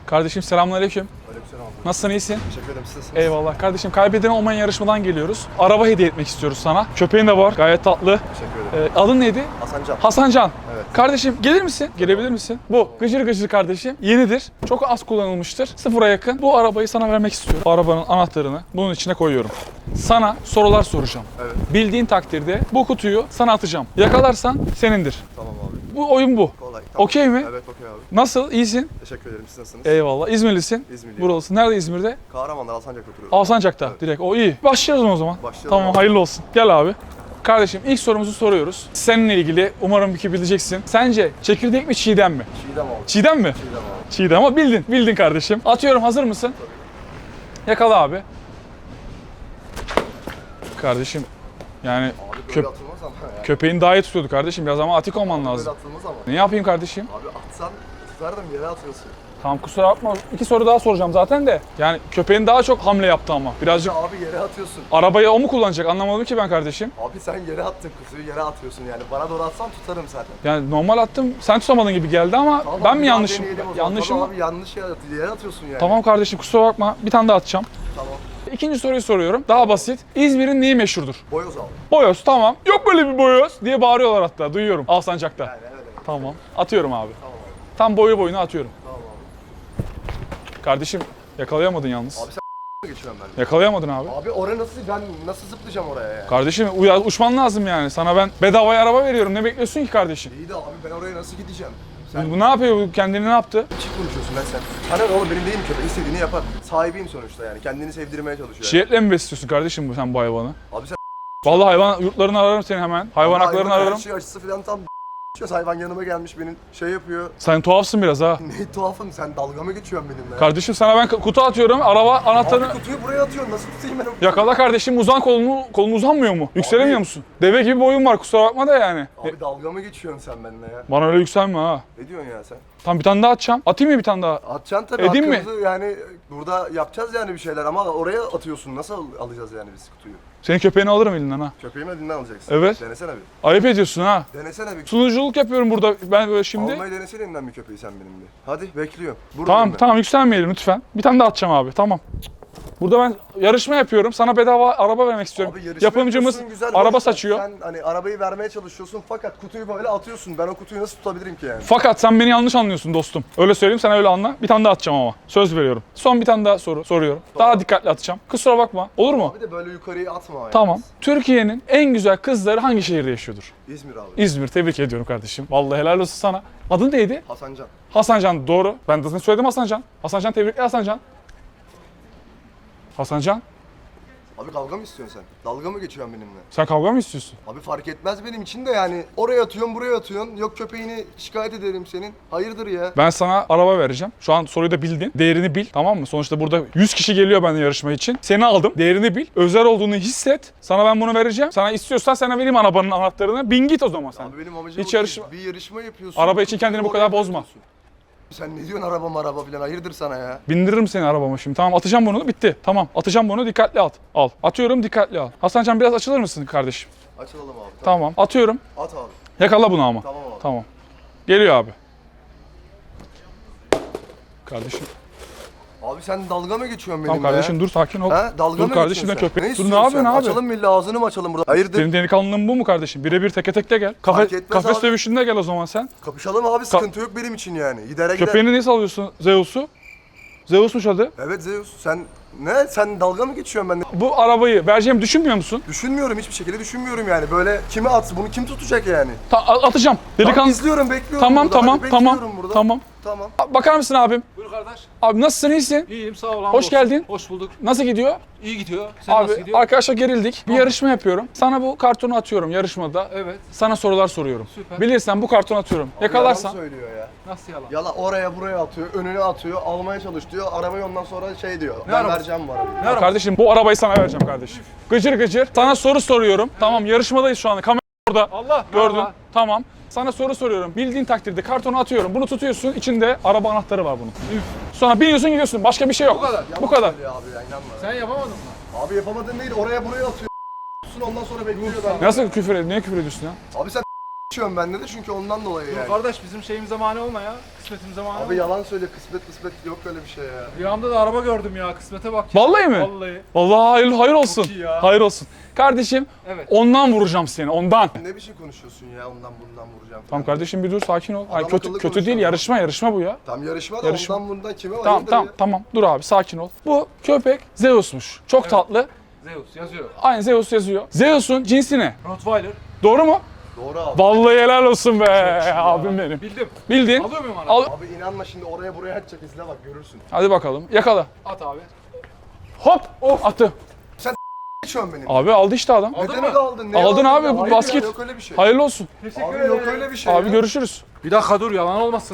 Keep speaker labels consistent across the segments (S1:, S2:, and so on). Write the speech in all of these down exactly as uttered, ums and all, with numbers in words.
S1: Kardeşim selamünaleyküm.
S2: Aleykümselam abi.
S1: Nasılsın, iyisin?
S2: Teşekkür ederim, siz nasılsınız?
S1: Eyvallah. Kardeşim kaybeden olmayan yarışmadan geliyoruz. Araba hediye etmek istiyoruz sana. Köpeğin de var. Gayet tatlı.
S2: Teşekkür ederim.
S1: Ee, adın neydi?
S2: Hasancan.
S1: Hasancan.
S2: Evet.
S1: Kardeşim gelir misin? Gelebilir misin? Bu gıcır gıcır kardeşim. Yenidir. Çok az kullanılmıştır. Sıfıra yakın. Bu arabayı sana vermek istiyorum. Bu arabanın anahtarını bunun içine koyuyorum. Sana sorular soracağım.
S2: Evet.
S1: Bildiğin takdirde bu kutuyu sana atacağım. Yakalarsan senindir.
S2: Tamam abi.
S1: Bu oyun bu.
S2: Kolay. Tamam.
S1: Okey mi?
S2: Evet, okey abi.
S1: Nasıl? İyisin?
S2: Teşekkür ederim, siz nasılsınız?
S1: Eyvallah. İzmirlisin.
S2: İzmirliyim.
S1: Buralısın. Nerede İzmir'de?
S2: Kahramanlar, Alsancak'ta oturuyorum.
S1: Alsancak'ta.
S2: Evet.
S1: Direkt. O iyi. Başlayalım o zaman.
S2: Başlayalım
S1: Tamam,
S2: abi.
S1: hayırlı olsun. Gel abi. Kardeşim ilk sorumuzu soruyoruz. Seninle ilgili umarım ki bileceksin. Sence çekirdek mi çiğdem mi?
S2: Çiğdem abi.
S1: Çiğdem mi?
S2: Çiğdem abi.
S1: Çiğdem ama bildin. Bildin kardeşim. Atıyorum, hazır mısın? Yakala abi. Kardeşim yani
S2: Abi böyle
S1: köp
S2: atılmaz ama ya.
S1: köpeğin daha iyi tutuyordu kardeşim. Biraz ama atik olman
S2: Böyle
S1: lazım.
S2: atılmaz ama.
S1: Ne yapayım kardeşim?
S2: Abi atsan tutardım, yere atıyorsun.
S1: Tamam, kusura bakma. İki soru daha soracağım zaten de. Yani köpeğin daha çok hamle yaptı ama. Birazcık
S2: Ya abi yere atıyorsun.
S1: arabayı o mu kullanacak, anlamadım ki ben kardeşim.
S2: Abi sen yere attın, kuzuyu yere atıyorsun yani. Bana doğru atsan tutarım zaten.
S1: Yani normal attım. Sen tutamadın gibi geldi ama
S2: Tamam,
S1: ben
S2: bir
S1: mi
S2: daha
S1: yanlışım?
S2: deneyelim o zaman.
S1: Yanlışım.
S2: Tamam abi, yanlış yere, at- yere atıyorsun yani.
S1: Tamam kardeşim, kusura bakma. Bir tane daha atacağım.
S2: Tamam.
S1: İkinci soruyu soruyorum. Daha basit. İzmir'in neyi meşhurdur?
S2: Boyoz abi.
S1: Boyoz, tamam. Yok böyle bir boyoz diye bağırıyorlar hatta. Duyuyorum Alsancak'ta.
S2: Yani evet evet.
S1: Tamam. Atıyorum abi.
S2: Tamam abi.
S1: Tam boyu boyuna atıyorum.
S2: Tamam abi.
S1: Kardeşim yakalayamadın yalnız.
S2: Abi sen geçiyorum ben.
S1: Yakalayamadın abi.
S2: Abi oraya nasıl, ben nasıl zıplayacağım oraya yani?
S1: Kardeşim uya- uçman lazım yani. Sana ben bedavaya araba veriyorum. Ne bekliyorsun ki kardeşim?
S2: İyi de abi ben oraya nasıl gideceğim? Sen
S1: Bu ne yapıyor? Bu kendini ne yaptı?
S2: çift konuşuyorsun lan sen. Hani oğlum benim değil mi köpek? İstediğini yapar. Sahibiyim sonuçta yani. Kendini sevdirmeye çalışıyor. Yani.
S1: Şiyetle mi besliyorsun kardeşim bu sen bu hayvanı?
S2: Abi sen
S1: Vallahi hayvan yurtlarını ararım seni hemen. Hayvan haklarını
S2: hayvanın
S1: ararım.
S2: her şey açısı falan tam hayvan yanıma gelmiş benim şey yapıyor.
S1: Sen tuhafsın biraz ha.
S2: Ne tuhafım, sen dalga mı geçiyorsun benimle? ya?
S1: Kardeşim sana ben kutu atıyorum. Araba anahtarını...
S2: Abi kutuyu buraya atıyorsun. Nasıl tutayım ben o kutuyu?
S1: Yakala kardeşim, uzan kolunu, kolun uzanmıyor mu? Yükselemiyor
S2: Abi-
S1: musun? Deve gibi boyun var, kusura bakma da yani. E,
S2: Abi dalga mı geçiyorsun sen benimle ya?
S1: Bana öyle yükselme ha.
S2: Ne diyorsun ya sen?
S1: Tamam, bir tane daha atacağım. Atayım mı bir tane daha?
S2: Atacaksın tabii.
S1: Edeyim mi?
S2: hakkımızı Yani burada yapacağız yani bir şeyler ama oraya atıyorsun. Nasıl al- alacağız yani biz kutuyu?
S1: Senin köpeğini alırım elinden ha.
S2: Köpeğimi elinden alacaksın.
S1: Evet.
S2: Denesene bir.
S1: Ayıp ediyorsun ha.
S2: Denesene bir.
S1: Sunuculuk yapıyorum burada ben böyle şimdi.
S2: Almayı denesene elinden bir köpeği sen benimle. Hadi bekliyorum. Buradayım
S1: Tamam
S2: ben.
S1: tamam, yükselmeyelim lütfen. Bir tane daha atacağım abi, tamam. Burada ben yarışma yapıyorum. Sana bedava araba vermek istiyorum.
S2: Abi yarışma
S1: Yapımcımız
S2: yapıyorsun, güzel,
S1: araba
S2: hoş da
S1: saçıyor.
S2: Sen hani arabayı vermeye çalışıyorsun fakat kutuyu böyle atıyorsun. Ben o kutuyu nasıl tutabilirim ki yani?
S1: Fakat sen beni yanlış anlıyorsun dostum. Öyle söyleyeyim, sen öyle anla. Bir tane daha atacağım ama. Söz veriyorum. Son bir tane daha soru soruyorum. Daha dikkatli atacağım. Kusura bakma. Olur mu?
S2: Bir de böyle yukarıya atma yani.
S1: Tamam. Türkiye'nin en güzel kızları hangi şehirde yaşıyordur?
S2: İzmir abi.
S1: İzmir. Tebrik ediyorum kardeşim. Vallahi helal olsun sana. Adın neydi?
S2: Hasancan.
S1: Hasancan. Doğru. Ben de sana söyledim Hasancan. Hasancan, tebrikler Hasancan. Hasancan,
S2: Abi kavga mı istiyorsun sen? Dalga mı geçiyorsun benimle?
S1: sen kavga mı istiyorsun?
S2: Abi fark etmez benim için de yani. Oraya atıyorsun, buraya atıyorsun. Yok köpeğini şikayet ederim senin. Hayırdır ya?
S1: Ben sana araba vereceğim. Şu an soruyu da bildin. Değerini bil, tamam mı? Sonuçta burada yüz kişi geliyor benden yarışma için. Seni aldım. Değerini bil. Özel olduğunu hisset. Sana ben bunu vereceğim. Sana istiyorsan sana vereyim arabanın anahtarını. Bin git o zaman sen.
S2: Abi benim amacım
S1: Hiç
S2: o
S1: yarışma-
S2: değil. Bir yarışma yapıyorsun.
S1: Araba için kendini bu
S2: Oraya
S1: kadar bozma.
S2: atıyorsun. Sen ne diyorsun araba maraba falan? Hayırdır sana ya?
S1: Bindiririm seni arabama şimdi. Tamam, atacağım bunu. Bitti. Tamam. Atacağım bunu. Dikkatli at. Al. Atıyorum, dikkatli al. Hasancan biraz açılır mısın kardeşim?
S2: Açılalım abi.
S1: Tamam. Atıyorum.
S2: At abi.
S1: Yakala bunu ama.
S2: Tamam abi.
S1: Tamam. Geliyor abi. Kardeşim.
S2: Abi sen dalga mı geçiyorsun benimle
S1: Tamam kardeşim,
S2: ya?
S1: dur, sakin ol.
S2: Ha? Dalga
S1: Dur
S2: mı
S1: kardeşim,
S2: geçiyorsun
S1: de
S2: sen?
S1: köpek. Dur, ne
S2: istiyorsun
S1: yapıyorsun
S2: sen?
S1: abi?
S2: Açalım mı illa ağzını mı açalım burada? Hayırdır?
S1: Senin delikanlılığın bu mu kardeşim? Birebir teke tekte gel. Kafe,
S2: Fark etmez
S1: kafes
S2: abi.
S1: dövüşünde gel o zaman sen.
S2: Kapışalım abi, sıkıntı yok benim için yani. Gidere gider.
S1: Köpeğini niye salıyorsun Zeus'u? Zeus'muş adı.
S2: Evet Zeus, sen ne? Sen dalga mı geçiyorsun benimle?
S1: Bu arabayı vereceğimi düşünmüyor musun?
S2: Düşünmüyorum, hiçbir şekilde düşünmüyorum yani. Böyle kime atsın, bunu kim tutacak yani?
S1: Ta- a- atacağım.
S2: Tamam,
S1: Delikanlı.
S2: izliyorum, bekliyorum
S1: Tamam
S2: burada.
S1: tamam
S2: Hadi
S1: tamam.
S2: bekliyorum burada.
S1: Tamam.
S2: Tamam.
S1: A- Bakar mısın abim?
S3: Buyur kardeş.
S1: Abi nasılsın, iyisin?
S3: İyiyim, sağ ol.
S1: Hoş
S3: hamdolsun.
S1: geldin.
S3: Hoş bulduk.
S1: Nasıl gidiyor?
S3: İyi gidiyor. Sen nasıl
S1: Abi
S3: gidiyor?
S1: arkadaşlar gerildik. Bir yarışma yapıyorum. Sana bu kartonu atıyorum yarışmada.
S3: Evet.
S1: Sana sorular soruyorum.
S3: Süper.
S1: Bilirsen bu kartonu atıyorum. Yakalarsan.
S2: Yalan söylüyor ya.
S3: Nasıl yalan?
S2: Yala oraya buraya atıyor, önüne atıyor, almaya çalış diyor. Arabayı ondan sonra şey diyor. ben
S3: arabası?
S2: vereceğim bu arabayı.
S3: Ne arabası?
S1: Kardeşim bu arabayı sana vereceğim kardeşim. Gıcır gıcır. Sana soru soruyorum. Tamam, yarışmadayız şu anda. Kamera orada.
S3: Allah.
S1: Gördün.
S3: merhaba.
S1: Tamam. Sana soru soruyorum. Bildiğin takdirde kartonu atıyorum. Bunu tutuyorsun. İçinde araba anahtarı var bunun.
S3: Üf.
S1: Sonra biniyorsun, gidiyorsun. Başka bir şey yok.
S3: Bu kadar.
S1: Bu kadar.
S2: Söylüyor abi ya, inanma.
S3: Sen yapamadın mı?
S2: Abi yapamadın değil, oraya buraya atıyor. Ondan sonra bekliyor ben.
S1: Nasıl küfür ediyorsun? Niye küfür ediyorsun ya?
S2: Abi sen geçiyorum bende de çünkü ondan dolayı
S3: Dur
S2: yani.
S3: kardeş bizim şeyimize mani olma ya. Kısmetimize mani
S2: Abi
S3: olma.
S2: yalan söyle, kısmet kısmet yok öyle bir şey ya.
S3: Rüyamda da araba gördüm ya. Kısmete bak. ya.
S1: Vallahi mi?
S3: Vallahi.
S1: Vallahi hayır, hayır olsun.
S3: Çok iyi ya.
S1: Hayır olsun. Kardeşim
S3: Evet.
S1: ondan vuracağım seni, ondan.
S2: Ne biçim konuşuyorsun ya, ondan bundan vuracağım.
S1: Tamam kardeşim bir dur, sakin ol. Hayır,
S2: Adam
S1: kötü
S2: akıllı
S1: kötü değil,
S2: konuşalım.
S1: yarışma yarışma bu ya.
S2: Tam yarışma da
S1: Yarışma.
S2: ondan bundan kime var?
S1: Tamam
S2: Hayırdır
S1: tamam
S2: ya?
S1: tamam. Dur abi, sakin ol. Bu köpek Zeus'muş. Çok tatlı.
S3: Zeus yazıyor.
S1: Aynı Zeus yazıyor. Zeus'un cinsi ne?
S3: Rottweiler.
S1: Doğru mu?
S2: Doğru abi.
S1: Vallahi helal olsun be abim benim.
S3: Bildim.
S1: Bildin.
S3: Alıyor muyum
S1: Al.
S3: araba?
S2: Abi inanma şimdi oraya buraya atacak, izle bak görürsün.
S1: Hadi bakalım. Yakala.
S3: At abi.
S1: Hop. Of. Attı.
S2: Geçiyorum benim.
S1: Abi aldı işte adam.
S2: Ne
S3: Aldın
S2: demek
S3: mı?
S2: aldın? Ne
S1: Aldın
S2: aldın
S1: abi,
S2: ya?
S1: bu
S2: Hayır ya,
S1: basket.
S2: Yok öyle bir şey.
S1: Hayırlı olsun.
S3: Teşekkür
S2: Abi
S3: ederim.
S2: yok öyle bir şey
S1: Abi
S2: ya.
S1: görüşürüz.
S3: Bir dakika dur yalan olmasın.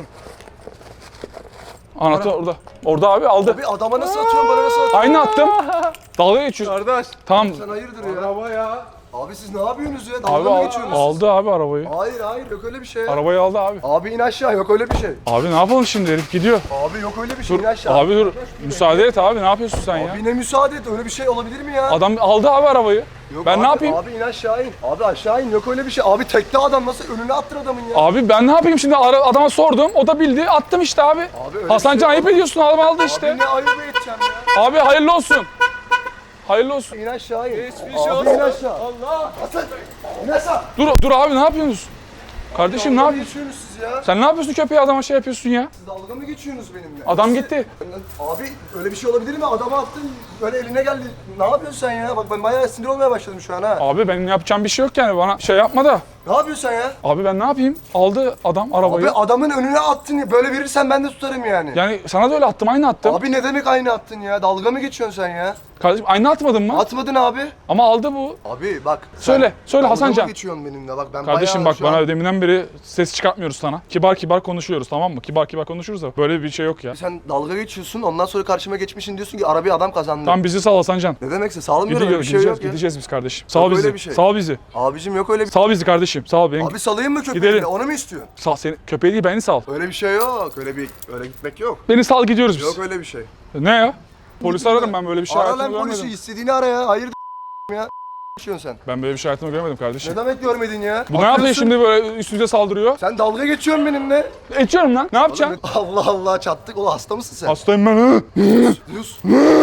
S1: Anahtar orada. Orada abi aldı.
S2: Abi adama nasıl atıyorsun, bana nasıl atıyorsun?
S1: Aynı attım. Dalga geçiyorsun.
S3: Kardeş.
S1: Tamam.
S2: Sen hayırdır ya?
S3: Araba ya.
S2: Abi siz ne yapıyorsunuz ya?
S1: Abi
S2: Dalga mı
S1: al-
S2: geçiyorsunuz?
S1: aldı abi arabayı.
S2: Hayır hayır yok öyle bir şey.
S1: Arabayı aldı abi.
S2: Abi in aşağı, yok öyle bir şey.
S1: Abi ne yapalım şimdi, herif gidiyor.
S2: Abi yok öyle bir şey,
S1: Dur.
S2: in aşağı.
S1: Abi dur. Müsaade et abi, ne yapıyorsun sen ya?
S2: Abi ne müsaade et, öyle bir şey olabilir mi ya?
S1: Adam aldı abi arabayı.
S2: Yok
S1: ben
S2: abi,
S1: ne yapayım?
S2: Abi in aşağı in. Abi aşağı in, yok öyle bir şey. Abi tekli adam nasıl önüne attır adamın ya?
S1: Abi ben ne yapayım şimdi, Ara- adama sordum, o da bildi, attım işte abi.
S2: Abi öyle
S1: Hasancan
S2: bir şey
S1: ayıp
S2: olmaz.
S1: ediyorsun, adam aldı işte.
S2: Abi ne ayıp edeceğim ya?
S1: Abi hayırlı olsun. Hayırlı olsun.
S2: İn aşağı in.
S3: Geçmiş
S2: Abi
S3: olsun.
S2: in aşağı.
S3: Allah.
S2: Hasan in aşağı.
S1: Dur dur abi, ne yapıyorsunuz? Kardeşim ne
S2: Dalga mı
S1: yapıyorsun?
S2: geçiyorsunuz siz ya?
S1: Sen ne yapıyorsun, köpeğe adama şey yapıyorsun ya?
S2: Siz dalga mı geçiyorsunuz benimle?
S1: Adam
S2: Nasıl-
S1: gitti.
S2: Abi öyle bir şey olabilir mi? Adama attın, böyle eline geldi. Ne yapıyorsun sen ya? Bak ben bayağı sinir olmaya başladım şu an ha.
S1: Abi benim yapacağım bir şey yok yani, bana şey yapma da.
S2: Ne yapıyorsun sen ya?
S1: Abi ben ne yapayım? Aldı adam arabayı.
S2: Abi adamın önüne attın ya. Böyle verirsen ben de tutarım yani.
S1: Yani sana da öyle attım, aynı attım.
S2: Abi ne demek aynı attın ya? Dalga mı geçiyorsun sen ya?
S1: Kardeşim aynı atmadın mı?
S2: Atmadın abi.
S1: Ama aldı bu.
S2: Abi bak. sen
S1: Söyle, söyle
S2: dalga
S1: Hasancan.
S2: mı geçiyorsun benimle? Bak ben
S1: Kardeşim
S2: bayağı
S1: bak,
S2: şu an-
S1: bana deminden beri ses çıkartmıyoruz sana. Kibar kibar konuşuyoruz, tamam mı? Kibar kibar konuşuruz da böyle bir şey yok ya.
S2: Sen dalga geçiyorsun, ondan sonra karşıma geçmişsin, diyorsun ki arabayı adam kazandı.
S1: Tam bizi sal Hasancan.
S2: Ne demekse sağlamıyorum, öyle
S1: Gidiyor,
S2: bir şey
S1: gideceğiz,
S2: yok ya.
S1: gideceğiz biz kardeşim. Sal
S2: Yok öyle
S1: bizi.
S2: bir şey.
S1: Sal bizi.
S2: Abicim yok öyle bir
S1: Sal bizi kardeşim. Sal beni.
S2: Abi salayım mı köpeği?
S1: Gidelim.
S2: de? Onu mu istiyorsun?
S1: Sal seni, köpeği değil, beni sal.
S2: Öyle bir şey yok. Öyle bir öyle gitmek yok.
S1: Beni sal, gidiyoruz biz.
S2: Yok öyle bir şey.
S1: Ne ya? Polisi ararım, ben böyle bir şey
S2: Ara
S1: hayatımda
S2: lan polisi,
S1: görmedim.
S2: istediğini ara ya. Hayır ya. Geçiyorsun sen.
S1: Ben böyle bir şey hayatımda görmedim kardeşim.
S2: Ne demek görmedin ya?
S1: Bu ne yapıyor
S2: Atıyorsun.
S1: şimdi, böyle üstümüze saldırıyor?
S2: Sen dalga geçiyorsun benimle.
S1: Geçiyorum lan. Ne yapacaksın?
S2: Allah Allah çattık. Oğlum hasta mısın sen?
S1: Hastayım ben. Hı.
S2: Yus.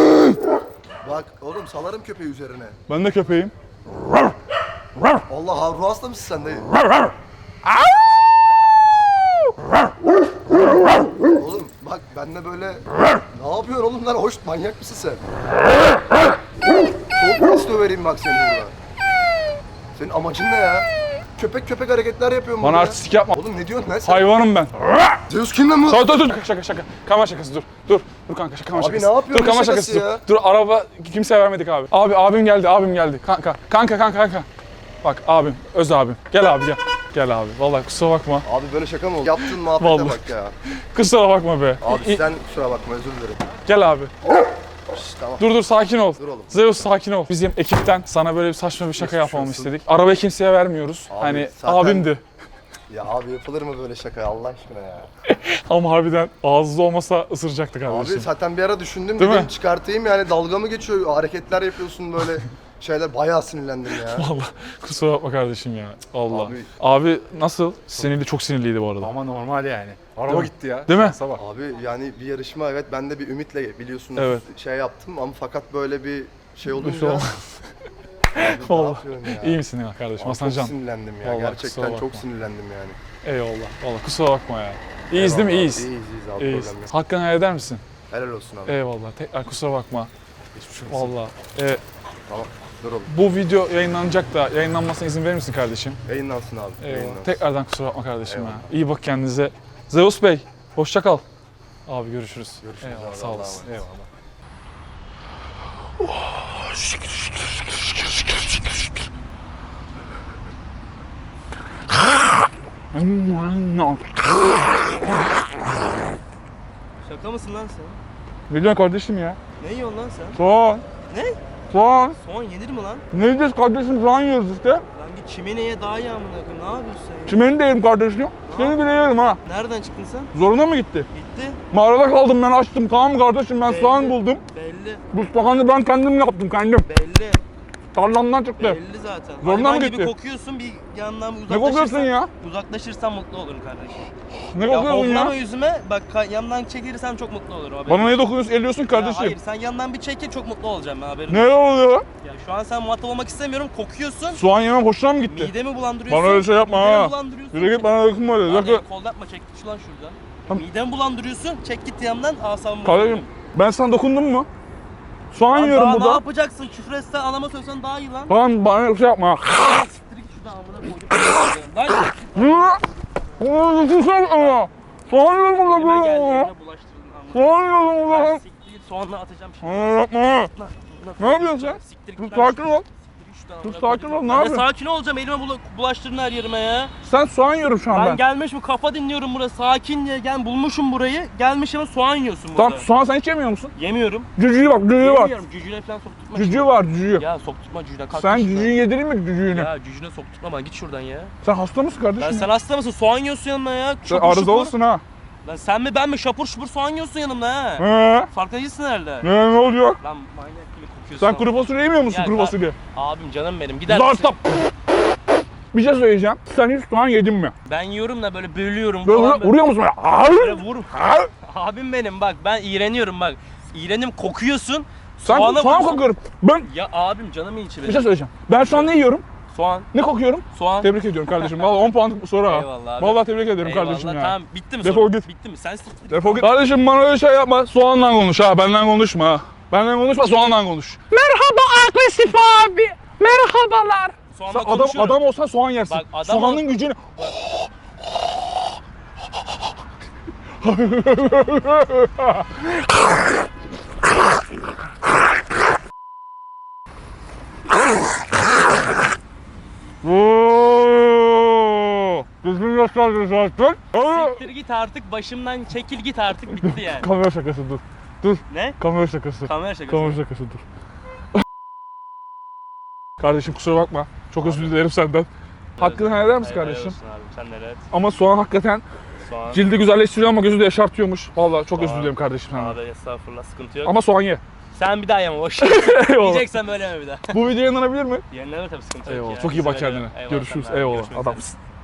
S2: Bak oğlum salarım köpeği üzerine.
S1: Ben de köpeğim.
S2: Allah ruh hasta mısın sen dayı? Oğlum bak benle böyle ne yapıyorsun oğlum lan, hoş manyak mısın sen? Çok pis dövereyim bak seni burada. Senin amacın ne ya? Köpek köpek hareketler yapıyorsun
S1: Bana
S2: burada.
S1: artistik yapma.
S2: Oğlum ne diyorsun lan sen?
S1: Hayvanım ben.
S2: Zeus kim lan bu?
S1: Dur dur dur. Şaka şaka şaka. Kamera şakası, dur. Dur. Dur kanka, şaka kamera
S2: Abi
S1: şakası.
S2: ne yapıyorsun,
S1: Dur kamera
S2: ne
S1: şakası,
S2: şakası
S1: dur.
S2: ya?
S1: Dur, araba kimseye vermedik abi. Abi abim geldi, abim geldi. Kanka kanka kanka kanka. Bak abim, öz abim. Gel abi gel. Gel abi. Vallahi kusura bakma.
S2: Abi böyle şaka mı oldu? Yaptığın muhabbete
S1: Vallahi.
S2: bak ya.
S1: Kusura bakma be.
S2: Abi
S1: İ-
S2: sen kusura bakma, özür dilerim.
S1: Gel abi.
S2: Şşş, tamam.
S1: Dur dur, sakin ol.
S2: Dur oğlum.
S1: Zeus sakin ol. Bizim ekipten sana böyle bir saçma bir şaka
S2: Geçmiş
S1: yapmamı
S2: olsun.
S1: istedik. Arabayı kimseye vermiyoruz.
S2: Abi,
S1: hani
S2: zaten-
S1: abimdi.
S2: Ya abi yapılır mı böyle şaka Allah aşkına ya?
S1: Ama harbiden ağızda olmasa ısıracaktı
S2: Abi
S1: kardeşim.
S2: zaten bir ara düşündüm,
S1: Değil
S2: dedim
S1: mi?
S2: çıkartayım yani, dalga mı geçiyor, hareketler yapıyorsun böyle şeyler, bayağı sinirlendim ya.
S1: Vallahi kusura bakma kardeşim ya. Allah. Abi,
S2: Abi-
S1: nasıl? Sinirli, çok sinirliydi bu arada.
S3: Ama normal yani. Araba
S1: Değil mi?
S3: gitti ya.
S1: Değil mi?
S3: Şansa bak.
S2: Abi yani bir yarışma, evet ben de bir ümitle biliyorsunuz
S1: Evet.
S2: şey yaptım ama fakat böyle bir şey olunca...
S1: şey olmaz.
S2: Abi ne
S1: Vallahi.
S2: yapıyorsun ya?
S1: İyi misin ya kardeşim?
S2: Abi
S1: Hasancan.
S2: çok sinirlendim ya,
S1: Vallahi kusura
S2: gerçekten
S1: bakma.
S2: çok sinirlendim yani.
S1: Eyvallah. Vallahi kusura bakma ya. İyiyiz değil mi?
S2: Eyvallah.
S1: İyiyiz.
S2: İyiyiz iyiyiz abi,
S1: İyiyiz.
S2: problem yok.
S1: Hakkını helal eder misin?
S2: Helal olsun abi.
S1: Eyvallah. Tekrar kusura bakma.
S2: Hiçbir şey olsun.
S1: Vallahi. Ee,
S2: Tamam dur oğlum.
S1: bu video yayınlanacak da yayınlanmasına izin verir misin kardeşim?
S2: Yayınlansın abi.
S1: Eyvallah.
S2: Yayınlansın.
S1: Tekrardan kusura bakma kardeşim
S2: Eyvallah.
S1: ya. İyi bak kendinize. Zeus Bey, hoşça kal. Abi görüşürüz.
S2: Görüşürüz
S1: Eyvallah,
S2: abi,
S1: sağ
S2: Allah'a
S1: olasın.
S2: emanet.
S1: Eyvallah.
S4: Şaka mısın lan sen?
S1: Ne diyorsun kardeşim ya?
S4: Ne yiyorsun lan sen?
S1: Soğan.
S4: Ne?
S1: Soğan.
S4: Soğan yenir mi lan?
S1: Ne yiyeceğiz kardeşim? Soğan yiyoruz işte.
S4: Lan git çimeneye daha iyi amına koyayım. Ne yapıyorsun sen ya?
S1: Çimeni de yerim kardeşim. Seni bile yerim ha.
S4: Nereden çıktın sen?
S1: Zoruna mı gitti?
S4: Gitti.
S1: Mağarada kaldım ben, açtım. Tamam mı kardeşim, ben
S4: Belli.
S1: soğan buldum.
S4: Belli.
S1: Bu soğanı ben kendim yaptım, kendim.
S4: Belli.
S1: Tarlamdan çıktı.
S4: Belli zaten.
S1: Zoruna
S4: Hayvan
S1: mı
S4: gibi
S1: gitti?
S4: kokuyorsun bir yandan
S1: Ne
S4: uzaklaşırsan.
S1: kokuyorsun ya?
S4: Uzaklaşırsan mutlu olurum kardeşim.
S1: Ne
S4: Ya
S1: kokuyorsun
S4: hoplama
S1: ya?
S4: yüzüme bak ka- yandan çekilirsem çok mutlu olurum haberin.
S1: Bana ne dokunuyorsun, elliyorsun
S4: Ya
S1: kardeşim.
S4: hayır sen yandan bir çekil çok mutlu olacağım ben haberin.
S1: Ne oluyor?
S4: Ya şu an sen muhatap olmak istemiyorum kokuyorsun.
S1: Soğan yemem hoşuna mı gitti?
S4: Midemi bulandırıyorsun.
S1: Bana öyle şey yapma
S4: midemi
S1: ha.
S4: bulandırıyorsun.
S1: Yürü git bana dokunma öyle.
S4: Lan
S1: Zakı.
S4: el kol yapma çek git şu lan şuradan.
S1: Tamam.
S4: Midemi bulandırıyorsun çek git yandan asabımı
S1: Kardeşim
S4: bozuyorsun.
S1: ben sana dokundum mu? Soğan
S4: Lan
S1: yiyorum
S4: daha ne
S1: burada.
S4: yapacaksın küfür etsen anama söylesen daha iyi lan.
S1: Tamam bana şey yapma.
S4: Siktir git şuradan amına koydum. Lan
S1: Soğan yiyorum burada
S4: elime geldi
S1: böyle.
S4: elime bulaştırdın amına.
S1: Soğan yiyorum
S4: Lan
S1: burada.
S4: siktir git soğanla atacağım şimdi.
S1: Bana yapma.
S4: Lan,
S1: Ne yapıyorsun sen?
S4: Siktir
S1: Dur
S4: git lan.
S1: sakin ol.
S4: Siktir git şuradan
S1: Dur
S4: amına
S1: sakin
S4: koydum.
S1: ol, ne
S4: Ben de
S1: yapıyorsun?
S4: sakin olacağım elime bula- bulaştırdın her yerime ya.
S1: Sen soğan yiyorum şu an
S4: Ben
S1: ben.
S4: gelmiş bu kafa dinliyorum burada sakin diye gel bulmuşum burayı. Gelmiş ama soğan yiyorsun burada.
S1: Tamam soğan sen hiç yemiyor musun?
S4: Yemiyorum.
S1: Cücüğü bak cücüğü var.
S4: Yemiyorum. Cücüğüne falan sokturtma.
S1: Cücüğü var cücüğü.
S4: Ya sokturtma cücüğüne kalk.
S1: Sen
S4: git şuradan.
S1: cücüğü yedireyim mi cücüğünü?
S4: Ya cücüğüne sokturtma bana git şuradan ya.
S1: Sen hasta mısın kardeşim?
S4: Lan sen hasta mısın? Soğan yiyorsun yanımda ya.
S1: Sen
S4: Şapur
S1: arıza
S4: şupur.
S1: olursun ha.
S4: Lan sen mi ben mi şapur şupur soğan yiyorsun yanımda ha.
S1: He.
S4: Farkında değilsin herhalde.
S1: Ne, ne oluyor?
S4: Lan manyak gibi kokuyorsun.
S1: Sen
S4: ama.
S1: kuru fasulye yemiyor musun
S4: Ya
S1: kuru
S4: kar-
S1: fasulye?
S4: Abim canım benim gider
S1: Zar
S4: misin?
S1: stop. Bir şey söyleyeceğim. Sen hiç soğan yedin mi?
S4: Ben yiyorum da böyle bölüyorum
S1: Böyle
S4: falan.
S1: vur- vuruyor musun? Böyle?
S4: Böyle
S1: Hayır.
S4: vurum.
S1: Hayır.
S4: Abim benim bak ben iğreniyorum bak. İğrenim kokuyorsun.
S1: Sen
S4: Soğana
S1: soğan
S4: vurursun.
S1: kokuyorum. Ben
S4: Ya abim canımı içi
S1: bir
S4: benim.
S1: şey söyleyeceğim. Ben şu an ne yiyorum?
S4: Soğan.
S1: Ne kokuyorum?
S4: Soğan.
S1: Tebrik ediyorum kardeşim. Vallahi on puanlık bir soru ha.
S4: Eyvallah abi.
S1: Vallahi tebrik ederim
S4: Eyvallah,
S1: kardeşim ya.
S4: Tamam bitti mi
S1: Defol
S4: sorun?
S1: git.
S4: Bitti mi? Sen siktir.
S1: Defol git. Kardeşim bana öyle şey yapma. Soğanla konuş ha. Benden konuşma ha. Benden konuşma soğanla konuş. Merhaba agresif abi. Merhabalar.
S4: Soğanla
S1: Sen adam,
S4: konuşuyorum.
S1: adam olsan soğan yersin.
S4: Bak, adam
S1: Soğanın
S4: ol-
S1: gücünü... Oo! Düzgün gösterdin zaten.
S4: Siktir git artık başımdan çekil git artık bitti yani.
S1: Kamera şakası dur. Dur.
S4: Ne?
S1: Kamera şakası.
S4: Kamera şakası.
S1: Kamera şakası dur. Kardeşim kusura bakma. Çok özür dilerim senden. Hakkını helal eder misin
S4: Helal
S1: kardeşim?
S4: olsun abi, sen de evet.
S1: Ama soğan hakikaten
S4: Soğan.
S1: cildi güzelleştiriyor ama gözü de yaşartıyormuş. Vallahi çok özür
S4: Soğan.
S1: dilerim kardeşim senden.
S4: Abi estağfurullah sıkıntı yok.
S1: Ama soğan ye.
S4: Sen bir daha yeme boş.
S1: Eyvallah.
S4: Yiyeceksen böyle yeme bir daha.
S1: Bu video yayınlanabilir mi?
S4: Yenileme tabii sıkıntı yok
S1: Eyvallah.
S4: ya.
S1: Çok iyi bak
S4: Sen öyle-
S1: kendine.
S4: Eyvallah,
S1: Görüşürüz.
S4: sen de abi,
S1: Eyvallah.
S4: görüşmek üzere.
S1: Adamsın.